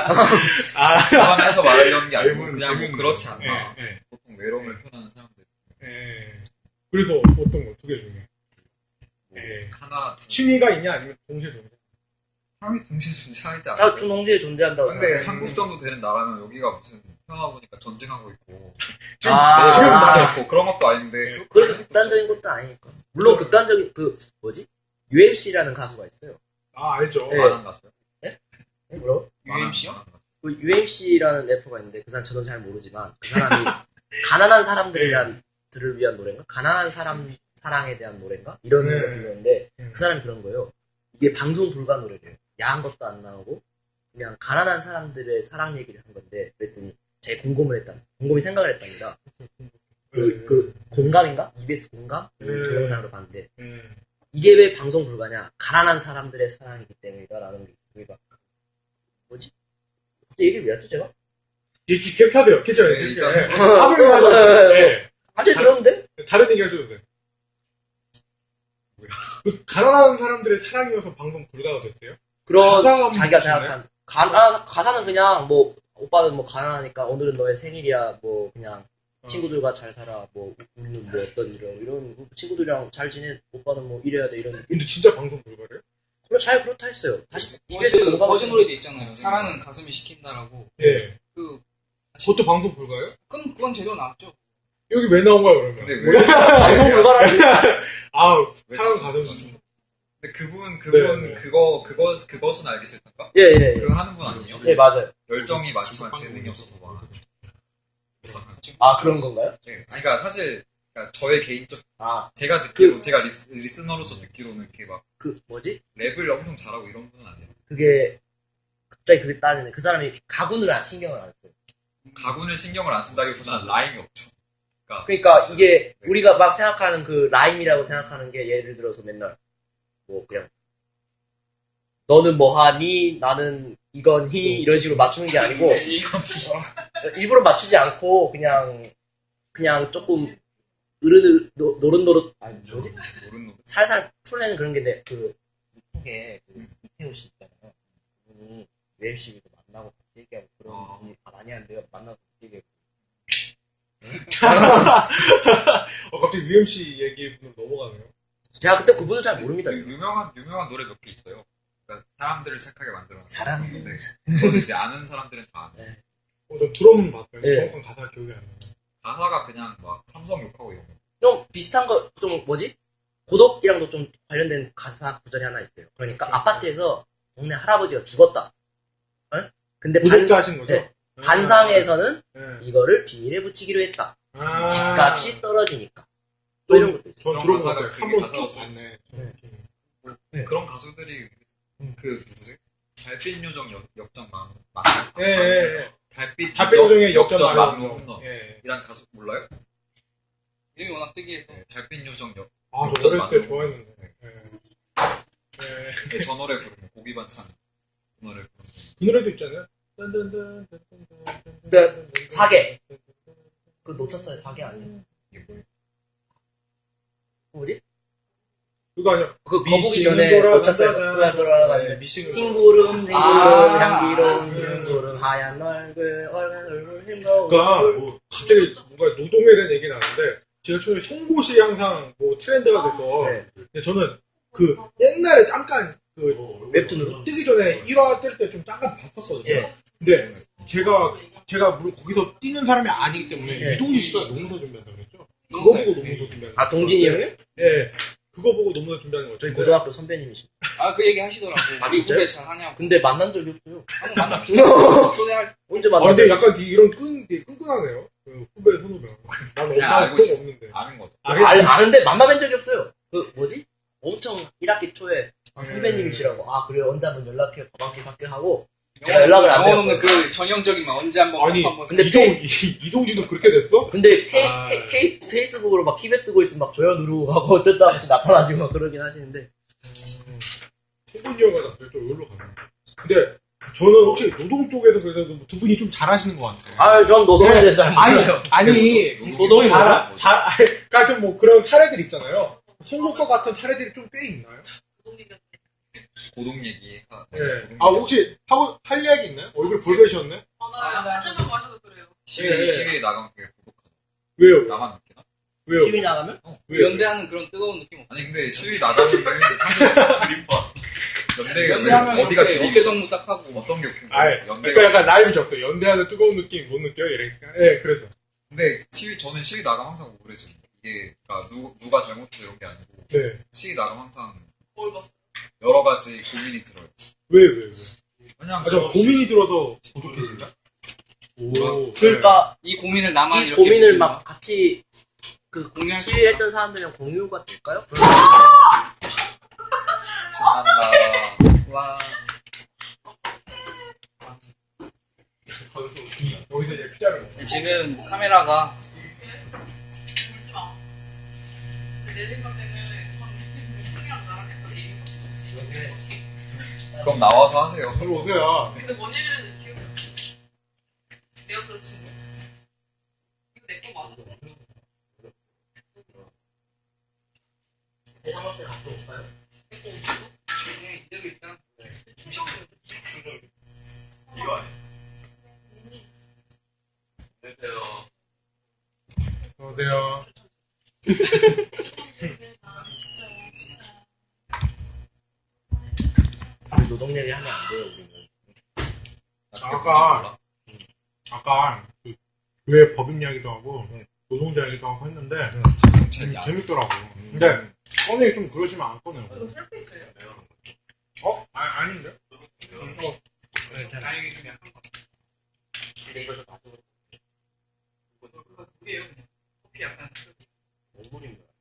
Speaker 1: 아,
Speaker 3: 일반화해서 말하려는 게 아니고
Speaker 1: 재밌는-
Speaker 3: 그냥 뭐
Speaker 1: 재밌는
Speaker 3: 그렇지
Speaker 1: 거.
Speaker 3: 않나.
Speaker 1: 예, 예,
Speaker 3: 보통 외로움을 표현하는 사람들
Speaker 1: 예. 그래서 어떤 거 두 개 중에
Speaker 3: 뭐
Speaker 1: 예.
Speaker 3: 하나 두
Speaker 1: 취미가 있냐 아니면 동시에 존재?
Speaker 3: 사람이 동시에 존재하지
Speaker 2: 야,
Speaker 3: 않아요.
Speaker 2: 좀 동시에 존재한다고
Speaker 3: 근데
Speaker 2: 생각해.
Speaker 3: 한국 정도 되는 나라면 여기가 무슨 평화 보니까 전쟁하고 있고
Speaker 1: 지금
Speaker 2: 아.
Speaker 3: 내
Speaker 1: 지금
Speaker 3: 지금
Speaker 1: 다-
Speaker 3: 있고 그런 것도 아닌데
Speaker 2: 그렇게 극단적인 것도 아니니까. 물론 극단적인 그 뭐지? 유엠씨라는 가수가 있어요.
Speaker 1: 아 알죠.
Speaker 2: 네.
Speaker 3: 만한 가수요?
Speaker 2: 뭐라고?
Speaker 4: 유엠씨요?
Speaker 2: 그 유엠씨라는 래퍼가 있는데 그 사람 저도 잘 모르지만 그 사람이 가난한 사람들이란 들을 위한 노래인가? 가난한 사람 사랑에 대한 노래인가? 이런
Speaker 1: 네.
Speaker 2: 노래인데
Speaker 1: 네.
Speaker 2: 그 사람이 그런 거예요. 이게 방송 불가 노래래요. 야한 것도 안 나오고 그냥 가난한 사람들의 사랑 얘기를 한 건데 그랬더니 제 공감을 했다. 곰곰이 생각을 했답니다. 그, 그 공감인가? 이비에스 공감?
Speaker 1: 네.
Speaker 2: 동영상으로 봤는데
Speaker 1: 예.
Speaker 2: 이게 왜 방송 불가냐? 가난한 사람들의 사랑이기 때문이다라는 게 우리가 뭐지? 갑자기 얘기를 왜 했죠 제가?
Speaker 1: 이렇게 캡하돼요. 괜찮아요.
Speaker 3: 네,
Speaker 1: 괜찮아요.
Speaker 3: 일단-
Speaker 1: 예. 아무리 가도 예.
Speaker 2: 갑자기 들었는데?
Speaker 1: 다른 얘기 하셔도 돼. 그 가난한 사람들의 사랑이어서 방송 불가가 됐대요.
Speaker 2: 그런
Speaker 1: 가사가 한번
Speaker 2: 자기가
Speaker 1: 보시나요?
Speaker 2: 생각한 가나 가사는 그냥 뭐 오빠는 뭐 가난하니까 오늘은 너의 생일이야 뭐 그냥
Speaker 1: 어.
Speaker 2: 친구들과 잘 살아 뭐 우리는 뭐 어떤 이런 이런 친구들이랑 잘 지내 오빠는 뭐 이래야 돼 이런
Speaker 1: 근데 진짜 방송 불가래요?
Speaker 2: 그래 잘 그렇다 했어요. 다시
Speaker 4: 버즈,
Speaker 2: 이비에스 공감
Speaker 4: 버즈 노래도 있잖아요. 사랑은 가슴이 시킨다라고.
Speaker 1: 예.
Speaker 4: 그,
Speaker 1: 그것도 방송 불가요?
Speaker 4: 그건, 그건 제대로 나왔죠.
Speaker 1: 여기 왜 나온 거야 그러면?
Speaker 3: 근데 왜
Speaker 2: 방송 불가라는
Speaker 1: 아,
Speaker 3: 왜
Speaker 1: 사랑
Speaker 3: 그러는
Speaker 1: 가슴.
Speaker 3: 거지? 근데 그분 그분
Speaker 1: 네, 네.
Speaker 3: 그거 그거 그것은 알기 싫단가?
Speaker 2: 예예 예.
Speaker 3: 그거 하는 분 아니에요?
Speaker 2: 예, 맞아요.
Speaker 3: 열정이 많지만 재능이 없어서 막.
Speaker 2: 아 그런 건가요?
Speaker 3: 네. 아니, 그러니까 사실 그러니까 저의 개인적
Speaker 2: 아
Speaker 3: 제가 듣기로 제가 리스, 리스너로서 듣기로는 이렇게 막
Speaker 2: 그 뭐지?
Speaker 3: 랩을 엄청 잘하고 이런 분은 아니에요.
Speaker 2: 그게 갑자기 그게 따지네. 그 사람이 가군을 안 신경을 안 써요.
Speaker 3: 가군을 신경을 안 쓴다기보다는 라임이 없죠.
Speaker 2: 그러니까 이게 우리가 막 생각하는 그 라임이라고 생각하는 게 예를 들어서 맨날 뭐 그냥 너는 뭐 하니? 나는 이건 히? 이런 식으로 맞추는 게 아니고
Speaker 3: 이건
Speaker 2: 일부러 맞추지 않고 그냥 그냥 조금 으르르 노- 노릇노릇 아니 뭐지?
Speaker 3: 모르는
Speaker 2: 살살 풀어내는 그런 게 내 그 이쪽에 그 이태호 씨 있잖아요. 그분이 유엠씨도 만나고 같이 얘기하고 그런
Speaker 3: 아.
Speaker 2: 분이 다 많이 하는데요. 만나서 같이 얘기하고
Speaker 1: 어, 갑자기 유엠씨 얘기로 넘어가네요.
Speaker 2: 제가 그때 그분을 잘 모릅니다.
Speaker 3: 그 유명한 유명한 노래 몇 개 있어요. 그러니까 사람들을 착하게 만들어.
Speaker 2: 사람?
Speaker 3: 네. 그건 이제 아는 사람들은 다 아는.
Speaker 1: 어, 저 들어는 봤어요.
Speaker 2: 네.
Speaker 1: 정확한 가사 기억이 안 나요.
Speaker 3: 가사가 그냥 막 삼성 욕하고 이런 거.
Speaker 2: 좀 비슷한 거 좀 뭐지? 고독이랑도 좀 관련된 가사 구절이 하나 있어요. 그러니까 아파트에서 동네 할아버지가 죽었다. 어? 근데
Speaker 1: 구독자
Speaker 2: 반,
Speaker 1: 하신 거죠?
Speaker 2: 네. 반상에서는
Speaker 1: 네.
Speaker 2: 이거를 비닐에 붙이기로 했다.
Speaker 1: 아.
Speaker 2: 집값이 떨어지니까. 또 이런 것도 있어요.
Speaker 1: 전
Speaker 3: 그런
Speaker 1: 들어본 것
Speaker 3: 가사가
Speaker 1: 같아요. 한번
Speaker 3: 그게
Speaker 1: 쭉
Speaker 3: 가사가
Speaker 1: 봤네.
Speaker 2: 네.
Speaker 3: 그런 가수들이
Speaker 1: 음.
Speaker 3: 그 누구지? 달빛 요정 역, 역전 만 맞나요?
Speaker 1: 예, 예, 예.
Speaker 3: 달빛
Speaker 1: 답변 요정의 역전
Speaker 3: 역전
Speaker 1: 만로
Speaker 3: 만로 홈런.
Speaker 1: 예.
Speaker 3: 이란 가수 몰라요?
Speaker 4: 이름이 워낙 특이해서.
Speaker 3: 네, 달빛 요정 역.
Speaker 1: 아, 저
Speaker 3: 역전
Speaker 1: 어렸을 때
Speaker 3: 만로.
Speaker 1: 좋아했는데.
Speaker 3: 네.
Speaker 1: 예. 예.
Speaker 3: 네, 저 노래 부르는 고기 반찬 그 노래 부르는.
Speaker 1: 그 노래도 있잖아요.
Speaker 2: 네, 사계. 그 놓쳤어요. 사계 아니에요.
Speaker 3: 이게 뭐예요?
Speaker 2: 뭐지?
Speaker 1: 그거 아니야.
Speaker 2: 그 거북이
Speaker 1: 미싱
Speaker 2: 전에 놓쳤어요.
Speaker 1: 돌아간다잖아.
Speaker 2: 그날 돌아가는데.
Speaker 1: 네, 미싱
Speaker 2: 흰구름, 흰구름,
Speaker 4: 아.
Speaker 2: 향기로운
Speaker 1: 음.
Speaker 2: 흰구름, 하얀 얼굴, 얼굴, 얼굴, 흰거울.
Speaker 1: 그러니까 뭐 갑자기 뭔가 노동에 대한 얘기 나는데 제가 처음에 송곳이 항상 뭐 트렌드가 돼서
Speaker 2: 네.
Speaker 1: 근데 저는 그 옛날에 잠깐 그
Speaker 2: 웹툰으로?
Speaker 1: 뜨기 전에 일 화 뜰 때 좀 잠깐 봤었거든요.
Speaker 2: 예.
Speaker 1: 근데 제가 제가 물론 거기서 뛰는 사람이 아니기 때문에
Speaker 2: 예.
Speaker 1: 이동진 씨가 농서 준비한다고 그랬죠. 그거 보고 농서 준비하는
Speaker 2: 아, 동진이 형이?
Speaker 1: 예. 그거 보고 농서 준비하는 거죠.
Speaker 2: 저희 고등학교 선배님이십니다.
Speaker 4: 아, 그 얘기 하시더라고.
Speaker 2: 아,
Speaker 4: 우리
Speaker 2: 진짜요?
Speaker 4: 후배 잘 하냐고.
Speaker 2: 근데 만난 적이 없어요.
Speaker 4: 한번 만납시다. 초대할
Speaker 2: 언제
Speaker 1: 아,
Speaker 2: 만났어요?
Speaker 1: 근데 약간 이런 끈, 되게 끈끈하네요. 그 후배 선후배. 나는
Speaker 3: 그냥
Speaker 1: 엄마
Speaker 3: 알고
Speaker 1: 그런
Speaker 3: 있어.
Speaker 1: 거 없는데.
Speaker 3: 아는 거죠.
Speaker 1: 아,
Speaker 2: 아, 알- 아는데 만나뵌 적이 없어요. 그 뭐지? 엄청 일 학기 초에 아, 선배님이시라고. 아 그래 언제 한번 연락해 밥 한 끼 사게 하고 제가 연락을 안
Speaker 4: 영혼 없는
Speaker 2: 드렸거든요.
Speaker 4: 그 전형적인 막 언제 한번
Speaker 1: 아니,
Speaker 4: 한번
Speaker 2: 근데
Speaker 1: 이동, 이, 이동진도 그렇게 됐어?
Speaker 2: 근데 페이,
Speaker 1: 아.
Speaker 2: 페이, 페이, 페이스북으로 막 키베 뜨고 있으면 막 조연 누르고 하고 어쩌다 한 번씩 나타나시고 막 그러긴 하시는데
Speaker 1: 세분이 형과 나 별도 여기로 가네. 근데 저는 혹시 노동 쪽에서 그래서 두 분이 좀 잘하시는 것 같아요.
Speaker 2: 아 전 노동에 대해서 잘
Speaker 1: 아니,
Speaker 2: 몰라요.
Speaker 1: 아니,
Speaker 3: 노동이
Speaker 1: 잘,
Speaker 3: 뭐야?
Speaker 1: 잘, 그러니까 좀 뭐 그런 사례들 있잖아요. 선곡과 같은 사례들이 좀 꽤 있나요?
Speaker 3: 고동 얘기. 아,
Speaker 1: 예.
Speaker 3: 고동
Speaker 1: 아, 혹시 하고, 할 이야기 있나요? 얼굴 붉으셨네?
Speaker 5: 맞아요. 한잔만 마셔도 그래요.
Speaker 3: 시위
Speaker 1: 예, 예.
Speaker 3: 시위에 나가면 그게 고독하다.
Speaker 1: 왜요?
Speaker 3: 나만 느끼나?
Speaker 1: 왜요?
Speaker 2: 티비 나가면?
Speaker 1: 왜요?
Speaker 4: 연대하는 그런 뜨거운 느낌 없어.
Speaker 3: 아니 근데 시위 나가면은 사실 드림파. 연대가
Speaker 4: 연대하면
Speaker 3: 왜- 어디가
Speaker 4: 이렇게
Speaker 3: 드림?
Speaker 4: 어깨 정무 딱 하고.
Speaker 3: 어떤 게 웃긴
Speaker 1: 아,
Speaker 3: 거야? 연대가.
Speaker 1: 그러니까 약간 라임이 졌어요. 연대하는 뜨거운 느낌 못 느껴요? 이러니까. 예, 그래서.
Speaker 3: 근데 시위 저는 시위 나가면 항상 우울해지는 거. 이게 그러니까 누 누가 잘못해서 이런 게 아니고
Speaker 1: 네.
Speaker 3: 시위 나가면 항상
Speaker 5: 뭘 봤어?
Speaker 3: 여러 가지 고민이 들어요.
Speaker 1: 왜, 왜, 왜?
Speaker 3: 그냥
Speaker 1: 아, 저 고민이 들어서 고독해진다? 오.
Speaker 2: 그러니까
Speaker 4: 이 고민을 나만
Speaker 2: 이
Speaker 4: 이렇게
Speaker 2: 고민을
Speaker 4: 느끼나?
Speaker 2: 막 같이 그
Speaker 4: 공유할 수
Speaker 2: 시위했던 사람들이랑 공유가 될까요?
Speaker 3: 신난다.
Speaker 4: 와.
Speaker 1: 거기서 이제 피자를 먹어.
Speaker 4: 지금 카메라가
Speaker 5: 울지 마. 내 생각에는 방금 형이랑 나랑 했던 얘기가 없어.
Speaker 3: 그럼 나와서 하세요.
Speaker 1: 바로 오세요.
Speaker 5: 근데 뭔 얘기를 기억이 안 나. 내가 그렇친 거야. 이거 내 거 맞아?
Speaker 2: 대상업체 갖고 올까요?
Speaker 5: 내거 없어?
Speaker 4: 그냥 이대로 일단
Speaker 5: 충격을
Speaker 1: 이거 아니야? 안녕하세요.
Speaker 2: 노동 얘기 하면 안 돼요 우리는.
Speaker 1: 아까, 아까, 그, 왜 법인 이야기도 하고, 노동자 이야기도 하고 했는데, 음, 재밌더라고. 근데, 꺼내 좀 그러시면 안 꺼내요.
Speaker 5: 이거 셀프있어요?
Speaker 1: 어? 아, 아닌데? 음, 어.
Speaker 4: 다행히 좀 약간
Speaker 2: 근데 이거 좀 봐도
Speaker 4: 그게요 그냥 커피 약간
Speaker 2: 뭔물인 거야.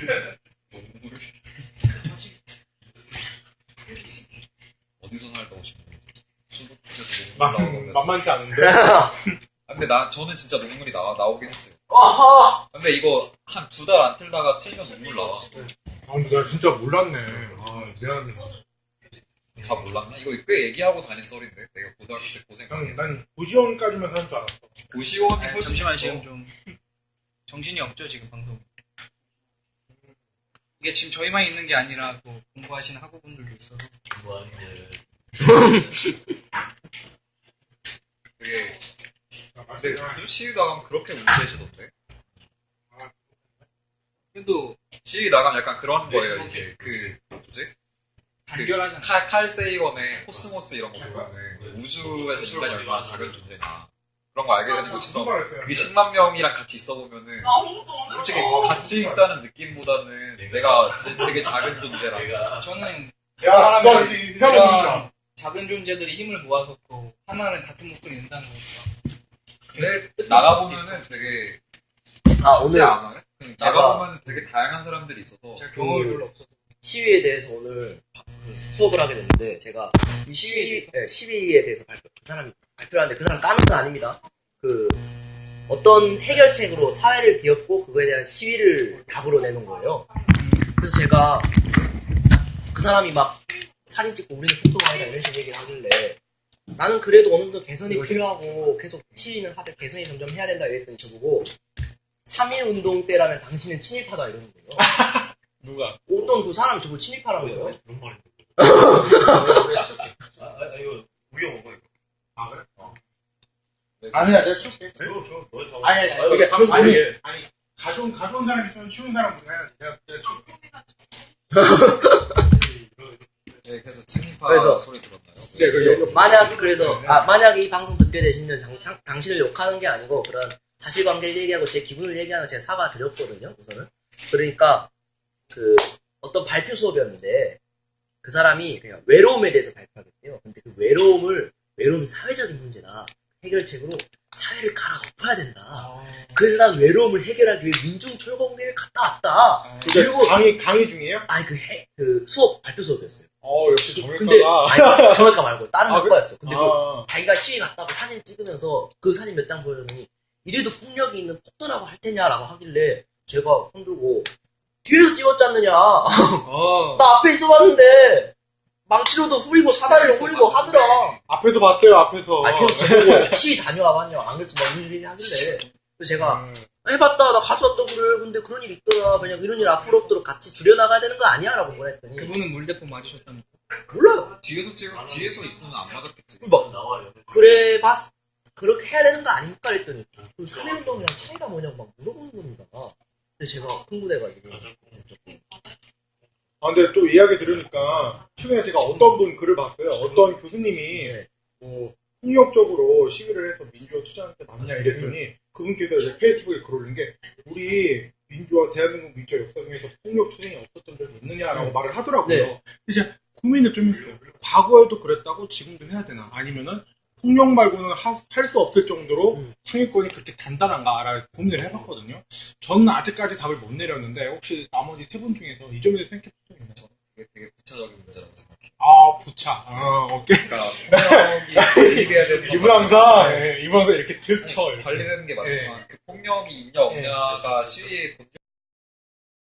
Speaker 3: 어디서 살다 오신 거예요? 수도권에서
Speaker 1: 만,
Speaker 3: 농물 나오는
Speaker 1: 만만치 않은데?
Speaker 3: 근데 나 저는 진짜 농물이 나와 나오긴 했어요.
Speaker 2: 아하!
Speaker 3: 근데 이거 한 두 달 안 틀다가 틀면 눈물 나와.
Speaker 1: 아, 근데 나 진짜 몰랐네. 아, 미안해.
Speaker 3: 다 몰랐나? 이거 꽤 얘기하고 다닌 썰인데 내가 고등학교 때 고생 많이
Speaker 1: 난, 난 고시원까지만 사는 줄 알았어.
Speaker 3: 고시원이
Speaker 4: 아니,
Speaker 3: 훨씬
Speaker 4: 잠시만
Speaker 3: 더-
Speaker 4: 지금 좀 정신이 없죠 지금 방송. 이게 지금 저희만 있는 게 아니라 또 공부하시는 학우분들도 있어서.
Speaker 3: 그게 근데 요즘 시위 나가면 그렇게 우대시던데
Speaker 4: 그래도
Speaker 3: 시위 나가면 약간 그런 거예요 이제 그 뭐지?
Speaker 4: 단결하잖아.
Speaker 3: 칼, 칼 세이건의 코스모스 이런 거 보면은 우주에서 인간이 얼마나 작은 존재냐 그런 거 알게 되는 것처럼 그게 십만 명이랑 같이 있어 보면은
Speaker 5: 나 아무것도 안 해.
Speaker 3: 솔직히 같이 있다는 느낌보다는 내가 되게 작은 존재라
Speaker 4: 저는
Speaker 1: 야, 너 이상한
Speaker 4: 이런
Speaker 1: 분이다.
Speaker 4: 작은 존재들이 힘을 모아서 또 하나는 같은 목소리 낸다는 거니까.
Speaker 3: 근데 나가보면은 되게
Speaker 2: 아,
Speaker 3: 쉽지
Speaker 2: 오늘
Speaker 3: 않아요? 응, 나가보면 되게 다양한 사람들이 있어서
Speaker 4: 제가 경험이 별로 없어서.
Speaker 2: 시위에 대해서 오늘 그 수업을 하게 됐는데 제가 이 시위, 네, 시위에 대해서 발표, 그 사람이 발표를 하는데 그 사람 까는 건 아닙니다. 그 어떤 해결책으로 사회를 뒤엎고 그거에 대한 시위를 답으로 내는 거예요. 그래서 제가 그 사람이 막 사진 찍고 우리는 폭동하다 이런 식으로 얘기를 하길래 나는 그래도 어느 정도 개선이 필요하고 계속 시위는 하되 개선이 점점 해야 된다 이랬더니 저보고 삼일 운동 때라면 당신은 친일파다 이러는 거예요.
Speaker 1: 누가?
Speaker 2: 어떤 그 사람이 저보고 친일파라는 거예요.
Speaker 6: 그런 말이 아, 아, 이거 우리 먹어 이거.
Speaker 1: 아, 그래?
Speaker 3: 네,
Speaker 1: 아니야, 내가 줄게.
Speaker 6: 줘, 줘. 너희 다
Speaker 1: 아니, 아니,
Speaker 6: 먹어.
Speaker 1: 아니, 이게
Speaker 6: 삼-
Speaker 1: 아니,
Speaker 6: 삼일.
Speaker 1: 아니, 가져온, 가져온 사람 있으면 치운 사람 해야지. 내가, 내가 줄게.
Speaker 3: 네, 그래서 친일파
Speaker 2: 그래서-
Speaker 3: 소리 들었나요?
Speaker 1: 네, 그, 여기,
Speaker 2: 만약 그래서 아 만약 이 방송 듣게 되시면 장- 당- 당신을 욕하는 게 아니고 그런 사실관계를 얘기하고 제 기분을 얘기하는 제가 사과 드렸거든요. 우선은 그러니까 그 어떤 발표 수업이었는데 그 사람이 그냥 외로움에 대해서 발표하겠대요. 근데 그 외로움을 외로움이 사회적인 문제다. 해결책으로 사회를 갈아엎어야 된다. 그래서 난 외로움을 해결하기 위해 민중철공대를 갔다 왔다.
Speaker 1: 그리고 강의, 강의 중이에요?
Speaker 2: 아니 그, 해, 그 수업 발표 수업이었어요.
Speaker 1: 어, 역시
Speaker 2: 근데
Speaker 1: 정외과가.
Speaker 2: 아니 정외과 말고 다른
Speaker 1: 아,
Speaker 2: 학과였어. 근데 그
Speaker 1: 아,
Speaker 2: 자기가 시위 갔다고 사진 찍으면서 그 사진 몇 장 보여줬더니 이래도 폭력이 있는 폭도라고 할 테냐라고 하길래 제가 손들고 뒤에서 찍었지 않느냐.
Speaker 4: 어.
Speaker 2: 나 앞에 있어봤는데 망치로도 후리고 사다리로 후리고 하더라.
Speaker 1: 앞에서 봤대요, 앞에서.
Speaker 2: 아 계속 저보고 시위 다녀와봤냐. 안 그래서 막 이런 얘기 하길래 그래서 제가
Speaker 1: 음.
Speaker 2: 해봤다 나 가져왔다 그래. 근데 그런 일 있더라. 그냥 이런 일 앞으로 없도록 같이 줄여나가야 되는 거 아니야? 라고 뭐랬더니
Speaker 4: 그분은 물대포 맞으셨답니다.
Speaker 2: 몰라요.
Speaker 3: 뒤에서 찍 뒤에서 있으면 안 맞았겠지.
Speaker 2: 막
Speaker 6: 나와요.
Speaker 2: 그래 봤 그렇게 해야 되는 거 아닙니까? 그랬더니 그 삼일운동이랑 차이가 뭐냐고 막 물어보는 겁니다. 그래서 제가 흥분해가지고
Speaker 1: 아, 근데 또 이야기 들으니까, 최근에 제가 어떤 분 글을 봤어요. 어떤 교수님이,
Speaker 2: 네.
Speaker 1: 뭐, 폭력적으로 시위를 해서 민주화 투쟁할 때 맞냐 이랬더니, 그분께서 이제 페이스북에 글 올린 게, 우리 민주화, 대한민국 민주화 역사 중에서 폭력 투쟁이 없었던 적이 있느냐라고 말을 하더라고요.
Speaker 2: 네.
Speaker 1: 그래서 제가 고민을 좀 했어요. 과거에도 그랬다고 지금도 해야 되나? 아니면은, 폭력 말고는 할 수 없을 정도로
Speaker 2: 음.
Speaker 1: 상위권이 그렇게 단단한가를 고민을 해봤거든요. 저는 아직까지 답을 못 내렸는데 혹시 나머지 세 분 중에서 이 점에 대해서 생각해 본 적 있나요?
Speaker 3: 이게 되게 구체적인 문제라고 생각해요.
Speaker 1: 아, 부차. 아, 오케이.
Speaker 3: 그러니까 폭력이 관리돼야 되는 건
Speaker 1: 이분 항상
Speaker 3: 맞지만
Speaker 1: 예, 이번에 이렇게 들쳐. 이렇게.
Speaker 3: 관리되는 게 맞지만 그 폭력이 있냐 없냐가 시위의 본